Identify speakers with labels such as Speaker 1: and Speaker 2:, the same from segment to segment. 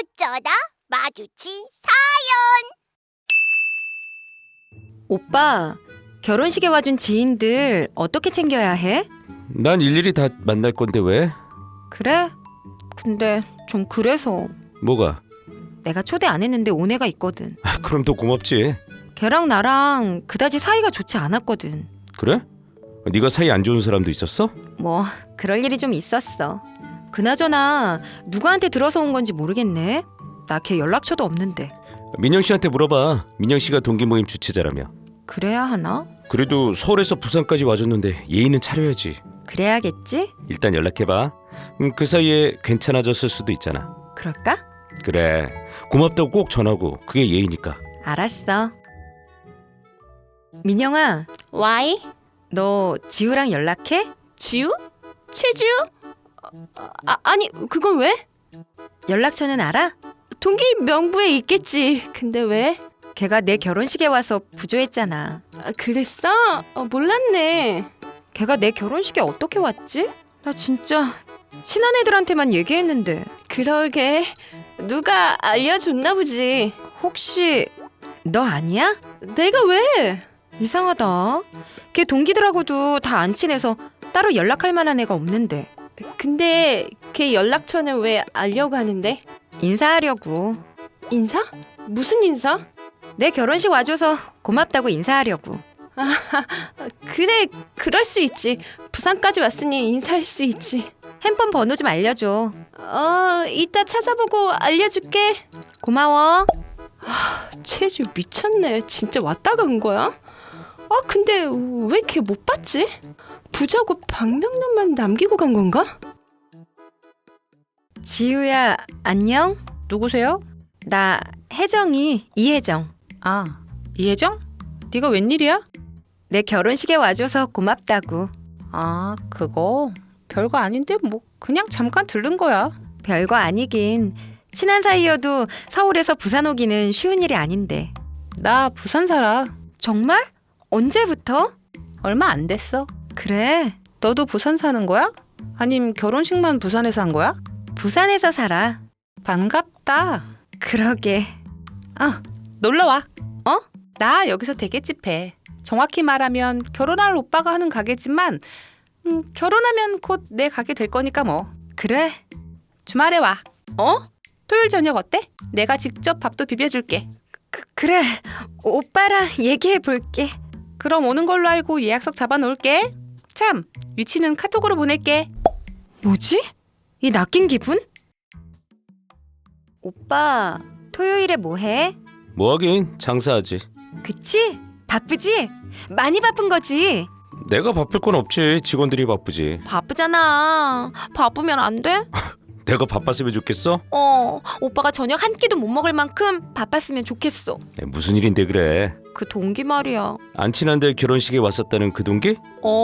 Speaker 1: 어쩌다 마주친
Speaker 2: 오빠, 결혼식에 와준 지인들 어떻게 챙겨야 해?
Speaker 3: 난 일일이 다 만날 건데 왜?
Speaker 2: 그래? 근데 좀 그래서
Speaker 3: 뭐가?
Speaker 2: 내가 초대 안 했는데 온 애가 있거든.
Speaker 3: 그럼 더 고맙지.
Speaker 2: 걔랑 나랑 그다지 사이가 좋지 않았거든.
Speaker 3: 그래? 네가 사이 안 좋은 사람도 있었어?
Speaker 2: 뭐 그럴 일이 좀 있었어. 그나저나 누구한테 들어서 온 건지 모르겠네. 나 걔 연락처도 없는데.
Speaker 3: 민영 씨한테 물어봐. 민영 씨가 동기 모임 주최자라며.
Speaker 2: 그래야 하나?
Speaker 3: 그래도 서울에서 부산까지 와줬는데 예의는 차려야지.
Speaker 2: 그래야겠지?
Speaker 3: 일단 연락해봐. 그 사이에 괜찮아졌을 수도 있잖아.
Speaker 2: 그럴까?
Speaker 3: 그래. 고맙다고 꼭 전하고. 그게 예의니까.
Speaker 2: 알았어. 민영아,
Speaker 1: 와이?
Speaker 2: 너 지우랑 연락해?
Speaker 1: 지우? 최지우? 아니 그건 왜?
Speaker 2: 연락처는 알아?
Speaker 1: 동기 명부에 있겠지. 근데 왜?
Speaker 2: 걔가 내 결혼식에 와서 부조했잖아.
Speaker 1: 그랬어? 몰랐네.
Speaker 2: 걔가 내 결혼식에 어떻게 왔지? 나 진짜 친한 애들한테만 얘기했는데.
Speaker 1: 그러게 누가 알려줬나 보지.
Speaker 2: 혹시 너 아니야?
Speaker 1: 내가 왜?
Speaker 2: 이상하다. 걔 동기들하고도 다 안 친해서 따로 연락할 만한 애가 없는데.
Speaker 1: 근데 걔 연락처는 왜 알려고 하는데?
Speaker 2: 인사하려고.
Speaker 1: 인사? 무슨 인사?
Speaker 2: 내 결혼식 와줘서 고맙다고 인사하려고.
Speaker 1: 그래 그럴 수 있지. 부산까지 왔으니 인사할 수 있지.
Speaker 2: 핸폰 번호 좀 알려줘.
Speaker 1: 이따 찾아보고 알려줄게.
Speaker 2: 고마워.
Speaker 1: 최주 미쳤네. 진짜 왔다 간 거야? 근데 왜 걔 못 봤지? 부자고 방명록만 남기고 간 건가?
Speaker 2: 지우야, 안녕?
Speaker 4: 누구세요?
Speaker 2: 나 혜정이, 이혜정.
Speaker 4: 아, 이혜정? 네가 웬일이야?
Speaker 2: 내 결혼식에 와줘서 고맙다고.
Speaker 4: 아, 그거 별거 아닌데 뭐 그냥 잠깐 들른 거야.
Speaker 2: 별거 아니긴. 친한 사이여도 서울에서 부산 오기는 쉬운 일이 아닌데.
Speaker 4: 나 부산 살아.
Speaker 2: 정말? 언제부터?
Speaker 4: 얼마 안 됐어.
Speaker 2: 그래,
Speaker 4: 너도 부산 사는 거야? 아님 결혼식만 부산에서 한 거야?
Speaker 2: 부산에서 살아.
Speaker 4: 반갑다.
Speaker 2: 그러게.
Speaker 4: 놀러 와.
Speaker 2: 어?
Speaker 4: 나 여기서 대게집 해. 정확히 말하면 결혼할 오빠가 하는 가게지만 결혼하면 곧 내 가게 될 거니까 뭐.
Speaker 2: 그래?
Speaker 4: 주말에 와.
Speaker 2: 어?
Speaker 4: 토요일 저녁 어때? 내가 직접 밥도 비벼줄게.
Speaker 2: 그래. 오빠랑 얘기해 볼게.
Speaker 4: 그럼 오는 걸로 알고 예약석 잡아놓을게. 참, 위치는 카톡으로 보낼게.
Speaker 2: 뭐지? 이 낚인 기분? 오빠, 토요일에 뭐 해?
Speaker 3: 뭐 하긴 장사하지.
Speaker 2: 그치? 바쁘지? 많이 바쁜 거지?
Speaker 3: 내가 바쁠 건 없지. 직원들이 바쁘지.
Speaker 2: 바쁘잖아. 바쁘면 안 돼?
Speaker 3: 내가 바빴으면 좋겠어?
Speaker 2: 오빠가 저녁 한 끼도 못 먹을 만큼 바빴으면 좋겠어.
Speaker 3: 무슨 일인데 그래?
Speaker 2: 그 동기 말이야.
Speaker 3: 안 친한데 결혼식에 왔었다는 그 동기?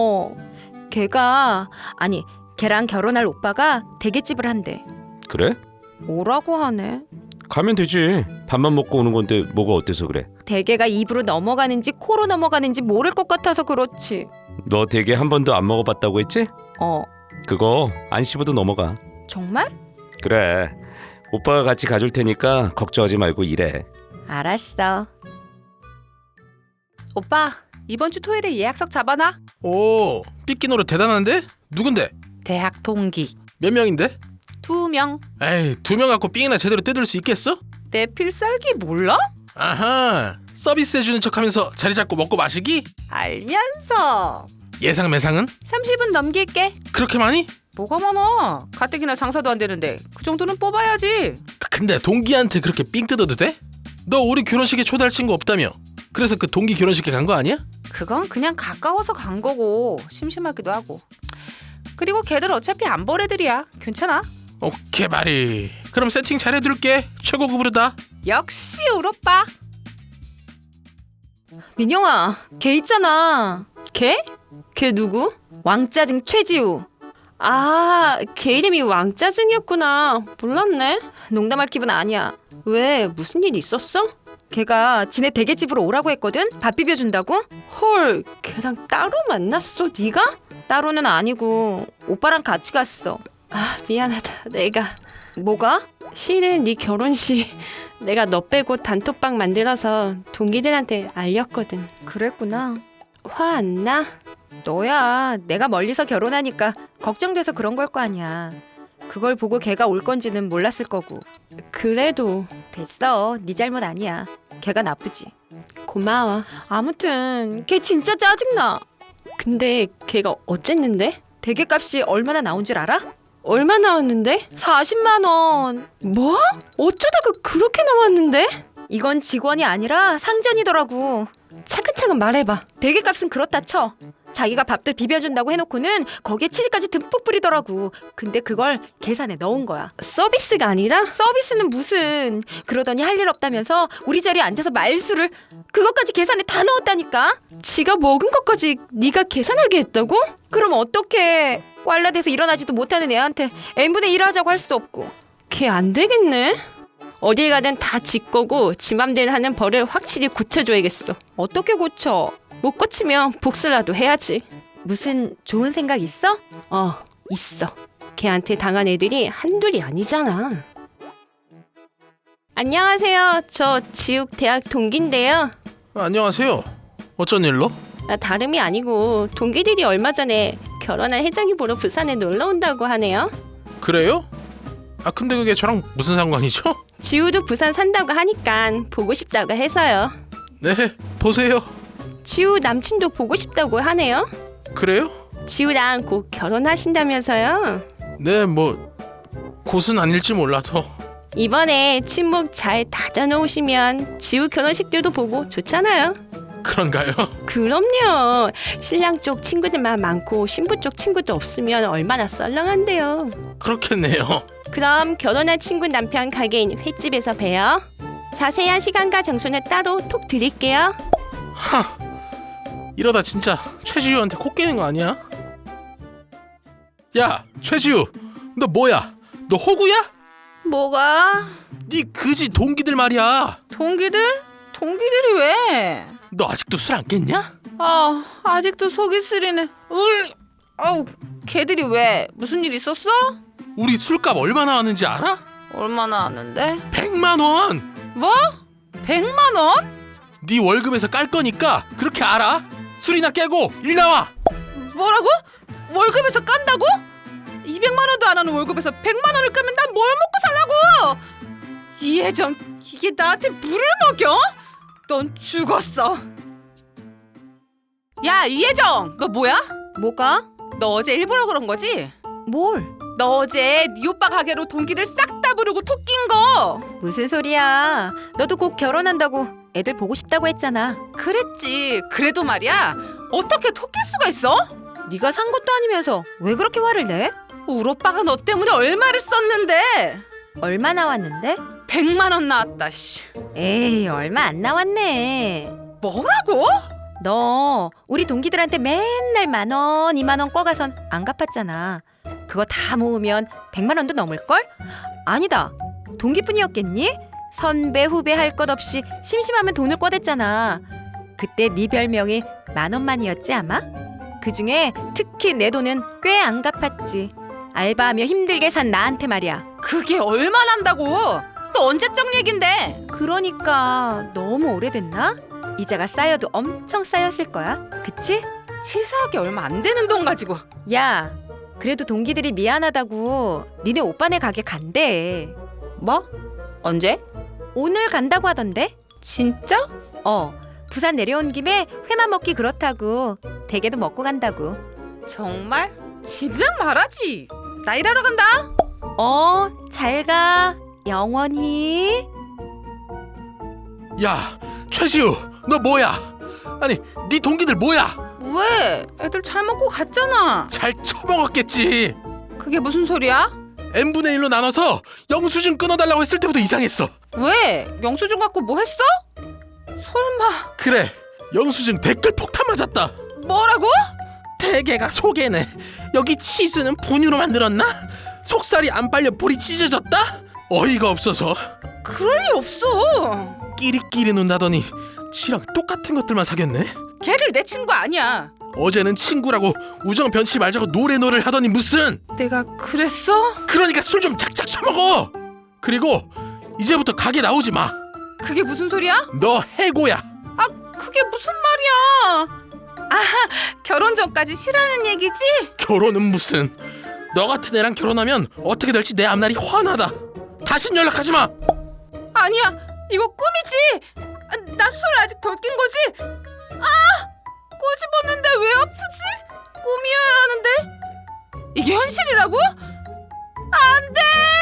Speaker 2: 걔랑 결혼할 오빠가 대게집을 한대.
Speaker 3: 그래?
Speaker 2: 뭐라고 하네.
Speaker 3: 가면 되지. 밥만 먹고 오는 건데 뭐가 어때서 그래?
Speaker 2: 대게가 입으로 넘어가는지 코로 넘어가는지 모를 것 같아서 그렇지.
Speaker 3: 너 대게 한 번도 안 먹어봤다고 했지? 그거 안 씹어도 넘어가.
Speaker 2: 정말?
Speaker 3: 그래. 오빠가 같이 가줄 테니까 걱정하지 말고 일해.
Speaker 2: 알았어.
Speaker 4: 오빠, 이번 주 토요일에 예약석 잡아놔.
Speaker 5: 오, 삐끼 노래 대단한데? 누군데?
Speaker 4: 대학 동기
Speaker 5: 몇 명인데?
Speaker 4: 2명.
Speaker 5: 에이, 2명 갖고 삥이나 제대로 뜯을 수 있겠어?
Speaker 4: 내 필살기 몰라?
Speaker 5: 아하, 서비스 해주는 척하면서 자리 잡고 먹고 마시기?
Speaker 4: 알면서
Speaker 5: 예상 매상은?
Speaker 4: 30은 넘길게.
Speaker 5: 그렇게 많이?
Speaker 4: 뭐가 많아? 가뜩이나 장사도 안 되는데 그 정도는 뽑아야지.
Speaker 5: 근데 동기한테 그렇게 삥 뜯어도 돼? 너 우리 결혼식에 초대할 친구 없다며? 그래서 그 동기 결혼식에 간 거 아니야?
Speaker 4: 그건 그냥 가까워서 간 거고 심심하기도 하고. 그리고 걔들 어차피 안 볼 애들이야. 괜찮아.
Speaker 5: 오케이 말이. 그럼 세팅 잘해둘게. 최고급으로다.
Speaker 4: 역시 우리 오빠.
Speaker 2: 민영아, 걔 있잖아.
Speaker 1: 걔? 걔 누구?
Speaker 2: 왕짜증 최지우.
Speaker 1: 걔 이름이 왕짜증이었구나. 몰랐네.
Speaker 2: 농담할 기분 아니야.
Speaker 1: 왜? 무슨 일 있었어?
Speaker 2: 걔가 지네 대게집으로 오라고 했거든? 밥 비벼준다고?
Speaker 1: 헐, 걔랑 따로 만났어? 네가?
Speaker 2: 따로는 아니고 오빠랑 같이 갔어.
Speaker 1: 미안하다. 내가
Speaker 2: 뭐가?
Speaker 1: 실은 네 결혼식 내가 너 빼고 단톡방 만들어서 동기들한테 알렸거든.
Speaker 2: 그랬구나.
Speaker 1: 화 안 나?
Speaker 2: 너야 내가 멀리서 결혼하니까 걱정돼서 그런 걸 거 아니야. 그걸 보고 걔가 올 건지는 몰랐을 거고.
Speaker 1: 그래도
Speaker 2: 됐어. 네 잘못 아니야. 걔가 나쁘지.
Speaker 1: 고마워.
Speaker 2: 아무튼 걔 진짜 짜증나.
Speaker 1: 근데 걔가 어쨌는데?
Speaker 2: 대게값이 얼마나 나온 줄 알아?
Speaker 1: 얼마 나왔는데?
Speaker 2: 40만 원.
Speaker 1: 뭐? 어쩌다가 그렇게 나왔는데?
Speaker 2: 이건 직원이 아니라 상전이더라고.
Speaker 1: 차근차근 말해봐.
Speaker 2: 대게값은 그렇다 쳐. 자기가 밥도 비벼준다고 해놓고는 거기에 치즈까지 듬뿍 뿌리더라고. 근데 그걸 계산에 넣은 거야.
Speaker 1: 서비스가 아니라?
Speaker 2: 서비스는 무슨. 그러더니 할 일 없다면서 우리 자리에 앉아서 말수를 그것까지 계산에 다 넣었다니까.
Speaker 1: 지가 먹은 것까지 네가 계산하게 했다고?
Speaker 2: 그럼 어떡해. 꽐라돼서 일어나지도 못하는 애한테 n분의 1 하자고 할 수도 없고.
Speaker 1: 걔 안 되겠네. 어딜 가든 다 지 거고 지 맘대로 하는 벌을 확실히 고쳐줘야겠어.
Speaker 2: 어떻게 고쳐?
Speaker 1: 못 고치면 복수라도 해야지.
Speaker 2: 무슨 좋은 생각 있어?
Speaker 1: 있어. 걔한테 당한 애들이 한둘이 아니잖아. 안녕하세요. 저 지욱 대학 동기인데요.
Speaker 5: 안녕하세요. 어쩐 일로?
Speaker 1: 다름이 아니고 동기들이 얼마 전에 결혼한 혜정이 보러 부산에 놀러 온다고 하네요.
Speaker 5: 그래요? 아 근데 그게 저랑 무슨 상관이죠?
Speaker 1: 지우도 부산 산다고 하니까 보고 싶다고 해서요.
Speaker 5: 네, 보세요.
Speaker 1: 지우 남친도 보고 싶다고 하네요.
Speaker 5: 그래요?
Speaker 1: 지우랑 곧 결혼하신다면서요.
Speaker 5: 네, 뭐 곧은 아닐지 몰라도.
Speaker 1: 이번에 친목 잘 다져놓으시면 지우 결혼식들도 보고 좋잖아요.
Speaker 5: 그런가요?
Speaker 1: 그럼요. 신랑 쪽 친구들만 많고 신부 쪽 친구도 없으면 얼마나 썰렁한데요.
Speaker 5: 그렇겠네요.
Speaker 1: 그럼 결혼한 친구 남편 가게인 횟집에서 봬요. 자세한 시간과 장소는 따로 톡 드릴게요.
Speaker 5: 하, 이러다 진짜 최지우한테 코 깨는 거 아니야? 야, 최지우, 너 뭐야? 너 호구야?
Speaker 4: 뭐가?
Speaker 5: 네 그지 동기들 말이야.
Speaker 4: 동기들? 동기들이 왜?
Speaker 5: 너 아직도 술 안 깼냐?
Speaker 4: 아직도 속이 쓰리네. 아우, 걔들이 왜? 무슨 일 있었어?
Speaker 5: 우리 술값 얼마 나왔는지 알아?
Speaker 4: 얼마나 하는데?
Speaker 5: 100만 원.
Speaker 4: 뭐? 100만 원?
Speaker 5: 네 월급에서 깔 거니까 그렇게 알아? 술이나 깨고 일 나와.
Speaker 4: 뭐라고? 월급에서 깐다고? 200만 원도 안 하는 월급에서 100만 원을 까면 난 뭘 먹고 살라고? 이혜정, 이게 나한테 물을 먹여? 넌 죽었어. 야, 이혜정, 너 뭐야?
Speaker 2: 뭐가?
Speaker 4: 너 어제 일부러 그런 거지?
Speaker 2: 뭘?
Speaker 4: 너 어제 네 오빠 가게로 동기들 싹 다 부르고 톡 낀 거.
Speaker 2: 무슨 소리야. 너도 곧 결혼한다고 애들 보고 싶다고 했잖아.
Speaker 4: 그랬지. 그래도 말이야, 어떻게 톡 낄 수가 있어?
Speaker 2: 네가 산 것도 아니면서 왜 그렇게 화를 내?
Speaker 4: 우리 오빠가 너 때문에 얼마를 썼는데.
Speaker 2: 얼마 나왔는데?
Speaker 4: 100만 원 나왔다. 씨.
Speaker 2: 에이, 얼마 안 나왔네.
Speaker 4: 뭐라고?
Speaker 2: 너 우리 동기들한테 맨날 10,000원, 20,000원 꿔가선 안 갚았잖아. 그거 다 모으면 100만 원도 넘을걸? 아니다. 동기뿐이었겠니? 선배 후배 할 것 없이 심심하면 돈을 꿔댔잖아. 그때 네 별명이 10,000원만이었지 아마? 그중에 특히 내 돈은 꽤 안 갚았지. 알바하며 힘들게 산 나한테 말이야.
Speaker 4: 그게 얼마 난다고? 또 언제적 얘긴데?
Speaker 2: 그러니까 너무 오래됐나? 이자가 쌓여도 엄청 쌓였을 거야. 그치?
Speaker 4: 치사하게 얼마 안 되는 돈 가지고.
Speaker 2: 야, 그래도 동기들이 미안하다고 니네 오빠네 가게 간대.
Speaker 4: 뭐? 언제?
Speaker 2: 오늘 간다고 하던데?
Speaker 4: 진짜?
Speaker 2: 부산 내려온 김에 회만 먹기 그렇다고. 대게도 먹고 간다고.
Speaker 4: 정말? 진작 말하지. 나 일하러 간다.
Speaker 2: 잘 가. 영원히.
Speaker 5: 야, 최지우, 너 뭐야? 아니, 네 동기들 뭐야?
Speaker 4: 왜? 애들 잘 먹고 갔잖아.
Speaker 5: 잘 처먹었겠지.
Speaker 4: 그게 무슨 소리야?
Speaker 5: n분의 1로 나눠서 영수증 끊어달라고 했을 때부터 이상했어.
Speaker 4: 왜? 영수증 갖고 뭐 했어? 설마.
Speaker 5: 그래, 영수증 댓글 폭탄 맞았다.
Speaker 4: 뭐라고?
Speaker 5: 대게가 속에네. 여기 치즈는 분유로 만들었나? 속살이 안 빨려 볼이 찢어졌다? 어이가 없어서
Speaker 4: 그럴 일 없어.
Speaker 5: 끼리끼리 논다더니 지랑 똑같은 것들만 사귀었네.
Speaker 4: 걔들 내 친구 아니야.
Speaker 5: 어제는 친구라고 우정 변치 말자고 노래를 하더니 무슨.
Speaker 4: 내가 그랬어?
Speaker 5: 그러니까 술 좀 작작 처먹어. 그리고 이제부터 가게 나오지 마.
Speaker 4: 그게 무슨 소리야?
Speaker 5: 너 해고야.
Speaker 4: 그게 무슨 말이야? 결혼 전까지 싫어하는 얘기지?
Speaker 5: 결혼은 무슨. 너 같은 애랑 결혼하면 어떻게 될지 내 앞날이 환하다. 다신 연락하지 마.
Speaker 4: 아니야, 이거 꿈이지. 나 술 아직 덜 낀 거지? 꼬집었는데 왜 아프지? 꿈이어야 하는데 이게 현실이라고? 안 돼!